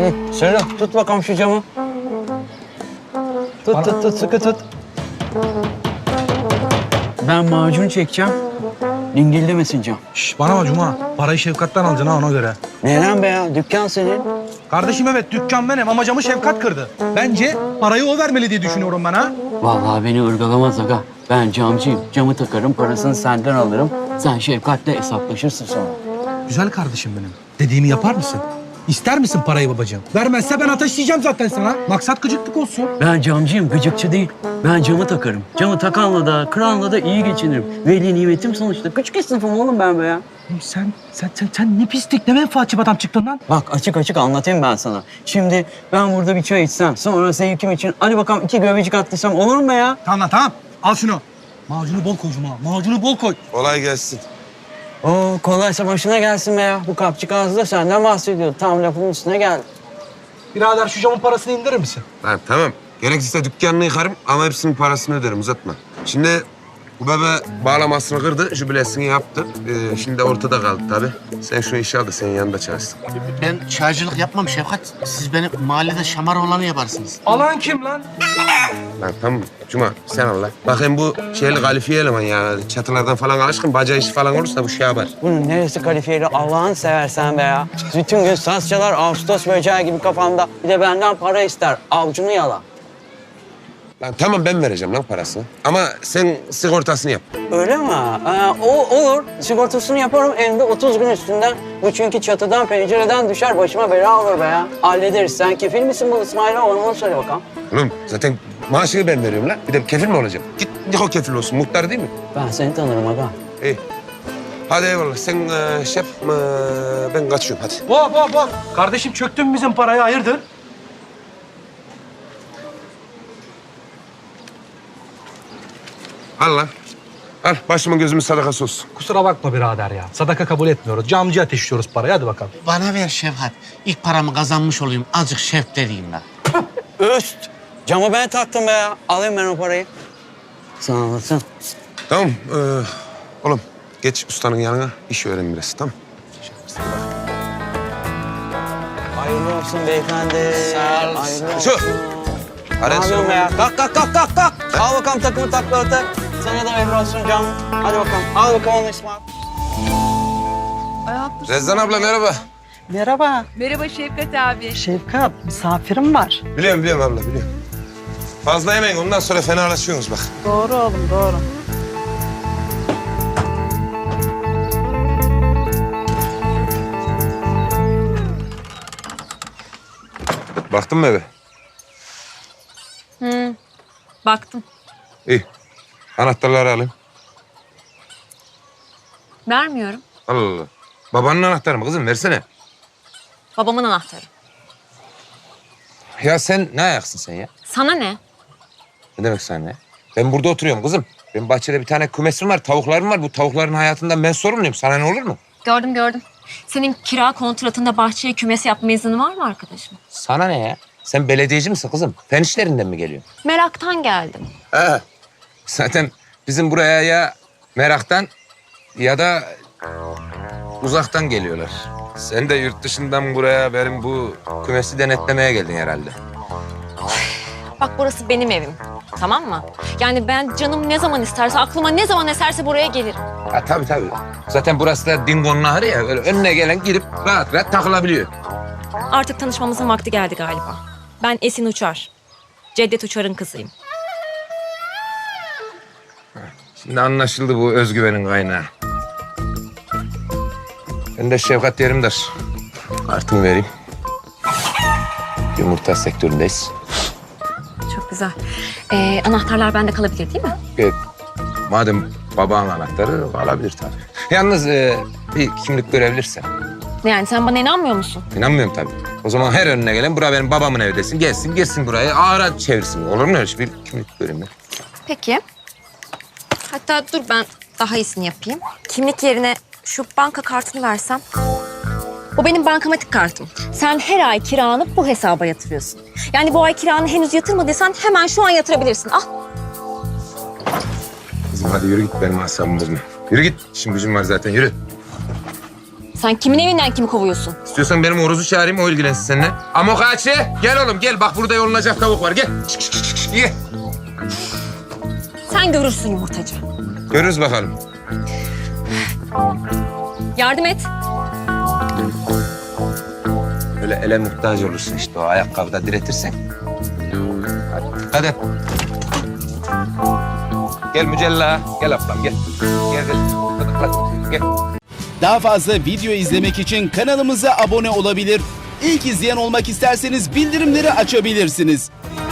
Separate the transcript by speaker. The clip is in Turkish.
Speaker 1: Söyle, tut bakalım şu camı. Tut, sıkı tut. Ben macun çekeceğim. Dingildemesin cam.
Speaker 2: Şş, bana bak Cuma. Parayı Şefkat'ten alacaksın ha ona göre.
Speaker 1: Neden be ya? Dükkan senin.
Speaker 2: Kardeşim evet dükkan benim ama camı Şefkat kırdı. Bence parayı o vermeli diye düşünüyorum ben ha.
Speaker 1: Vallahi beni ırgalamaz aga. Ben camcıyım. Camı takarım, parasını senden alırım. Sen Şefkat'le hesaplaşırsın sonra.
Speaker 2: Güzel kardeşim benim. Dediğimi yapar mısın? İster misin parayı babacığım? Vermezse ben ateşleyeceğim zaten sana. Maksat gıcıklık olsun.
Speaker 1: Ben camcıyım, gıcıkçı değil. Ben camı takarım. Camı takanla da, kıranla da iyi geçinirim. Veli nimetim sonuçta. Küçük esnafım oğlum ben be ya.
Speaker 2: Sen ne pislik, ne menfaatçi bir adam çıktın lan.
Speaker 1: Bak açık anlatayım ben sana. Şimdi ben burada bir çay içsem, sonra sevgilim için hadi bakalım 2 göbecik attıysam olur mu be ya?
Speaker 2: Tamam. Al şunu. Macunu bol koy Cuma. Macunu bol koy.
Speaker 3: Kolay gelsin.
Speaker 1: Oo kolaysa başına gelsin be ya. Bu kapçık ağzı da senden bahsediyor. Tam lafın üstüne geldi.
Speaker 2: Birader şu camın parasını indirir misin?
Speaker 3: Ha, tamam. Gerekirse dükkanını yıkarım ama hepsinin parasını öderim, uzatma. Şimdi bu bebe bağlamasını kırdı, jübilesini yaptı. Şimdi ortada kaldı tabii. Sen şu işi al da senin yanında çalışsın.
Speaker 4: Ben çaycılık yapmam Şefkat. Siz benim mahallede şamar olanı yaparsınız.
Speaker 2: Alan kim lan?
Speaker 3: Lan tamam Cuma, sen al lan. Bakayım bu şeyli kalifiye eleman ya. Çatılardan falan alışkın, bacağı işi falan olursa bu şey yapar.
Speaker 1: Bunun neresi kalifiyeli Allah'ını seversen be ya. Bütün gün saz çalar Ağustos böceği gibi kafamda. Bir de benden para ister. Avcunu yala.
Speaker 3: Lan tamam ben vereceğim lan parasını. Ama sen sigortasını yap.
Speaker 1: Öyle mi? O olur. Sigortasını yaparım evde 30 gün üstünden. Bu çünkü çatıdan pencereden düşer başıma bela olur be ya. Hallederiz. Sen kefil misin bu İsmail'e? Onu söyle bakalım.
Speaker 3: Oğlum zaten maaşını ben veriyorum lan. Bir de kefil mi olacağım? Git Niko kefil olsun. Muhtar değil mi?
Speaker 1: Ben seni tanırım aga.
Speaker 3: İyi. Hadi eyvallah. Sen şef, ben kaçıyorum hadi.
Speaker 2: Hop. Kardeşim çöktün bizim parayı, hayırdır?
Speaker 3: Al lan. Al başımın gözümün sadakası olsun.
Speaker 2: Kusura bakma birader ya. Sadaka kabul etmiyoruz. Camcıya ateşliyoruz parayı. Hadi bakalım.
Speaker 4: Bana ver Şefkat. İlk paramı kazanmış olayım. Azıcık şef dediğim ben.
Speaker 1: Öst. Camı ben taktım be ya. Alayım ben o parayı. Sağ olasın.
Speaker 3: Tamam. Oğlum geç ustanın yanına. İş öğren biraz tamam.
Speaker 1: Hayırlı olsun beyefendi.
Speaker 4: Sağ ol.
Speaker 1: Hayırlı olsun.
Speaker 3: Şu.
Speaker 1: Ne
Speaker 3: Hadi
Speaker 1: yapıyorsun be ya? Kalk. Al bakalım takımı takla. Sana da hayırlı olsun canım. Hadi bakalım. Al bakalım onu İsmail.
Speaker 3: Rezdan abla merhaba.
Speaker 5: Merhaba
Speaker 6: Merhaba Şefkat abi.
Speaker 5: Şefkat, misafirim var.
Speaker 3: Biliyorum abla biliyorum. Fazla yemeyin ondan sonra fenalaşıyorsunuz bak.
Speaker 5: Doğru oğlum, doğru.
Speaker 3: Baktın mı eve?
Speaker 6: Baktım.
Speaker 3: İyi. Anahtarları alayım.
Speaker 6: Vermiyorum.
Speaker 3: Allah Allah. Babanın anahtarı mı kızım? Versene.
Speaker 6: Babamın anahtarı.
Speaker 3: Ya sen ne ayaksın sen ya?
Speaker 6: Sana ne?
Speaker 3: Ne demek sen ne? Ben burada oturuyorum kızım. Benim bahçede bir tane kümesim var, tavuklarım var. Bu tavukların hayatından ben sorumluyum. Sana ne olur mu?
Speaker 6: Gördüm. Senin kira kontratında bahçeye kümes yapma izni var mı arkadaşım?
Speaker 3: Sana ne ya? Sen belediyeci misin kızım? Fen işlerinden mi geliyorsun?
Speaker 6: Meraktan geldim.
Speaker 3: Ha. Zaten bizim buraya ya meraktan ya da uzaktan geliyorlar. Sen de yurt dışından buraya benim bu kümesi denetlemeye geldin herhalde.
Speaker 6: Bak burası benim evim. Tamam mı? Yani ben canım ne zaman isterse, aklıma ne zaman eserse buraya gelirim.
Speaker 3: Ha tabii. Zaten burası da Dingo'nun ahırı ya. Öyle önüne gelen girip rahat takılabiliyor.
Speaker 6: Artık tanışmamızın vakti geldi galiba. Ben Esin Uçar. Cevdet Uçar'ın kızıyım.
Speaker 3: Şimdi anlaşıldı bu özgüvenin kaynağı. Ben de Şefkat Yerimdar. Kartımı vereyim. Yumurta sektöründeyiz.
Speaker 6: Çok güzel. Anahtarlar bende kalabilir değil mi?
Speaker 3: Evet. Madem babanın anahtarı alabilir tabii. Yalnız bir kimlik görebilirsen.
Speaker 6: Ne yani sen bana inanmıyor musun?
Speaker 3: İnanmıyorum tabii. O zaman her önüne gelen bura benim babamın evi desin. Gelsin girsin buraya ağıra çevirsin. Olur mu öyle şey? Bir kimlik göreyim ben.
Speaker 6: Peki. Hatta dur ben daha iyisini yapayım. Kimlik yerine şu banka kartını versem. O benim bankamatik kartım. Sen her ay kiranı bu hesaba yatırıyorsun. Yani bu ay kiranı henüz yatırmadıysan hemen şu an yatırabilirsin. Al.
Speaker 3: Kızım hadi yürü git benim asabımı bozma. Yürü git. İşim gücüm var zaten yürü.
Speaker 6: Sen kimin evinden kimi kovuyorsun?
Speaker 3: İstiyorsan benim Oruz'u çağırayım, o ilgilensin seninle. Amokachi, gel oğlum gel. Bak burada yolunacak tavuk var, gel. Ye.
Speaker 6: Sen görürsün yumurtacı.
Speaker 3: Görürüz bakalım.
Speaker 6: Yardım et.
Speaker 3: Öyle ele muhtaç olursun işte o ayakkabıda diretirsen. Hadi. Gel Mücella, gel ablam gel. Gel gel. Hadi, gel.
Speaker 7: Daha fazla video izlemek için kanalımıza abone olabilir. İlk izleyen olmak isterseniz bildirimleri açabilirsiniz.